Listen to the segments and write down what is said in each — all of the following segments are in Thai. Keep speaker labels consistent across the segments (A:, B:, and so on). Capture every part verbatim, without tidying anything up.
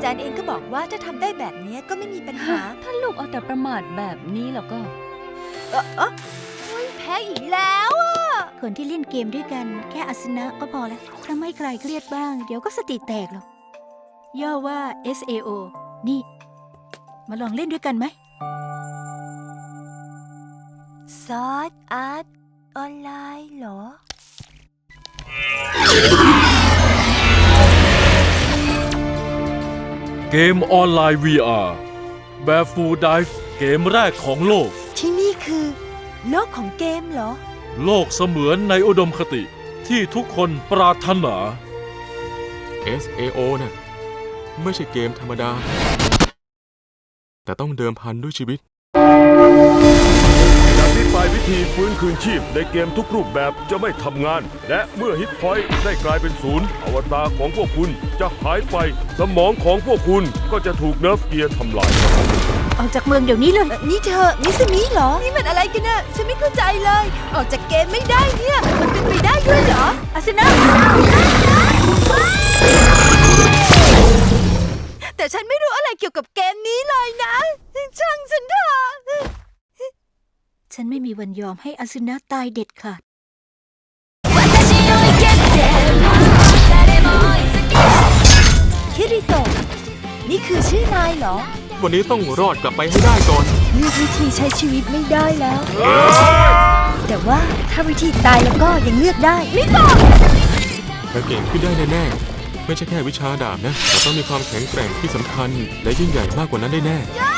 A: จารย์เองก็บอกว่าถ้าทำได้แบบนี้ก็ไม่มีปัญหา
B: ถ้าลูกเอาแต่ประมาทแบบนี้แล้วก็
A: เออเออเฮ้ยแพ้อีกแล้วอะ
C: คนที่เล่นเกมด้วยกันแค่อาสนะก็พอแล้วทำให้ใครเครียดบ้าง เดี๋ยวก็สติแตกหรอกย่อว่า เอส เอ โอ นี่ มาลองเล่นด้วยกันไหม
A: ซอสอาร์ตออนไลน์เหรอ
D: เกมออนไลน์ วี อาร์ Barefoot Dive เกมแรกของโลก
A: ที่นี่คือโลกของเกมเหรอ
D: โลกเสมือนในอุดมคติที่ทุกคนปรารถนา
E: เอส เอ โอ น่ะไม่ใช่เกมธรรมดา แต่ต้องเดิมพันด้วยชีวิต
F: จากนี้ไปวิธีฟื้นคืนชีพในเกมทุกรูปแบบจะไม่ทำงาน และเมื่อฮิตพอยต์ได้กลายเป็นศูนย์อวตารของพวกคุณจะหายไปสมองของพวกคุณก็จะถูกเนิร์ฟเกียร์ทำลาย
C: ออกจากเมืองเดี๋ยวนี้เลย
A: เอ่อนี่เธอมิสมิเหรอ นี่มันอะไรกันน่ะฉันไม่เข้าใจเลย ออกจากเกมไม่ได้เนี่ย มันเป็นไปได้ด้วยเหรอ
C: อาสนะ
A: แต่ฉันไม่รู้อะไรเกี่ยวกับเกมนี้เลยนะ ช่างฉันเถอะ
C: ฉันไม่มีวันยอมให้อาสนะตายเด็ดขาด
A: คิริโตะนี่คือชื่อนายเหรอ
E: วันนี้ต้องรอดกลับไปให้ได้ก่อน
A: เลือกวิธีใช้ชีวิตไม่ได้แล้ว แต่ว่าถ้าวิธีตายแล้วก็ยังเลือกได้ไม่ตอบ
E: และเก่งขึ้นได้แน่ๆ ไม่ใช่แค่วิชาดาบนะ แต่ต้องมีความแข็งแกร่งที่สำคัญ และยิ่งใหญ่มากกว่านั้นได้แน่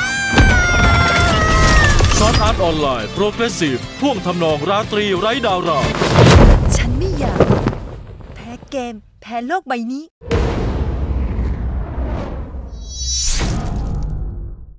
D: ซอสอาร์ตออนไลน์โปรเกรสซีฟท่วงทำนองราตรีไร้ดาวรา
A: ฉันไม่อยาก แพ้เกม แพ้โลกใบนี้